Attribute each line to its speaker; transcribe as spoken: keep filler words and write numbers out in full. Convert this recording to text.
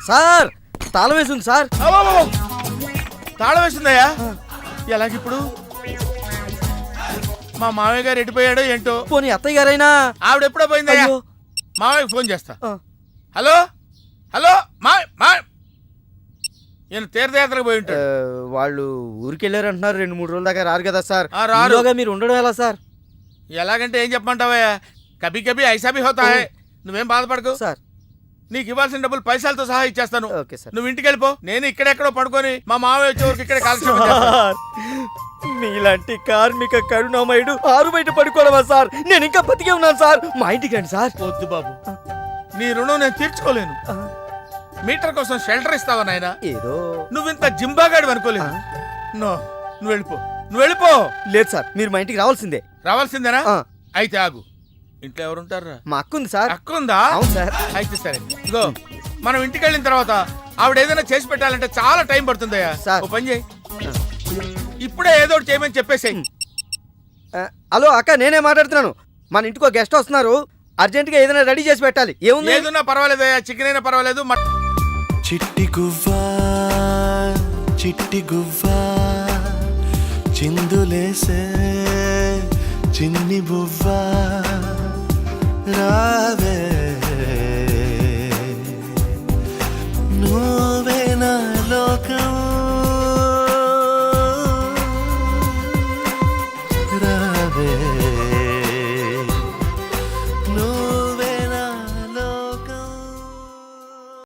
Speaker 1: Sir తాళం వేసింది sir.
Speaker 2: తాళం వేసిందయ్యా? ఎలాగిప్పుడు? మా మామయ్య గారు ఎడిపోయాడో ఏంటో.
Speaker 1: పోనీ అత్తయ్య గారైనా?
Speaker 2: ఆవిడ ఎప్పుడో పోయిందయ్యా. మామయ్యకి ఫోన్ చేస్తా. హలో హలో మా మా నేను తీర్థయాత్రకు పోయి ఉంటాడు.
Speaker 1: వాళ్ళు ఊరికి వెళ్ళారు అంటున్నారు. రెండు మూడు రోజుల దాకా రారు కదా సార్.
Speaker 2: రారు.
Speaker 1: మీరు ఉండడం ఎలా సార్?
Speaker 2: ఎలాగంటే ఏం చెప్పమంటావయ్యా, కభీ కభీ ఐసా భీ హోతా హై. నువ్వేం బాధపడకు
Speaker 1: సార్.
Speaker 2: నీకు ఇవ్వాల్సిన డబ్బులు పైసలతో సహా ఇచ్చేస్తాను.
Speaker 1: Okay sir.
Speaker 2: నువ్వు ఇంటికి వెళ్ళిపో. నేను ఇక్కడెక్కడో పడుకొని మా మామయ్య వచ్చే వరకు ఇక్కడే కాలక్షేపం చేస్తాను.
Speaker 1: మీలాంటి కార్మిక కరుణామయుడు ఆరు బయట పడుకోవడమా సార్? నేను ఇంకా బతికే ఉన్నాను సార్. మా ఇంటికి రండి సార్.
Speaker 2: వద్దు బాబు, నీ రుణం నేను తీర్చుకోలేను. మీటర్ కోసం షెల్టర్ ఇస్తావా నాయనా?
Speaker 1: ఏదో
Speaker 2: నువ్వు ఇంత జింబాగాడు అనుకోలేదు. నో, నువ్వు వెళ్ళిపో, నువ్వు వెళ్ళిపో.
Speaker 1: లేదు సార్, మీరు మా ఇంటికి రావాల్సిందే.
Speaker 2: రావాల్సిందేనా? అయితే ఆగు. ఇంట్లో ఎవరుంటారా?
Speaker 1: మా అక్క ఉంది సార్.
Speaker 2: అక్క ఉందా?
Speaker 1: అవును సార్.
Speaker 2: అయితే సరే, ఇగో మనం ఇంటికి వెళ్ళిన తర్వాత ఆవిడ ఏదైనా చేసి పెట్టాలంటే చాలా టైం పడుతుందయ్యా. ఓ పని చేయి, ఇప్పుడే ఏదో ఒకటి చేయమని చెప్పేసేయ్.
Speaker 1: హలో అక్క, నేనే మాట్లాడుతున్నాను. మన ఇంటికి ఒక గెస్ట్ వస్తున్నారు. అర్జెంట్ గా ఏదైనా రెడీ చేసి పెట్టాలి. ఏముంది?
Speaker 2: ఏదన్నా పర్వాలేదు, చికెన్ అయినా పర్వాలేదు.
Speaker 3: చిట్టి గువ్వా చిట్టి గువ్వా చిందులేసే చిన్ని బువ్వా రావే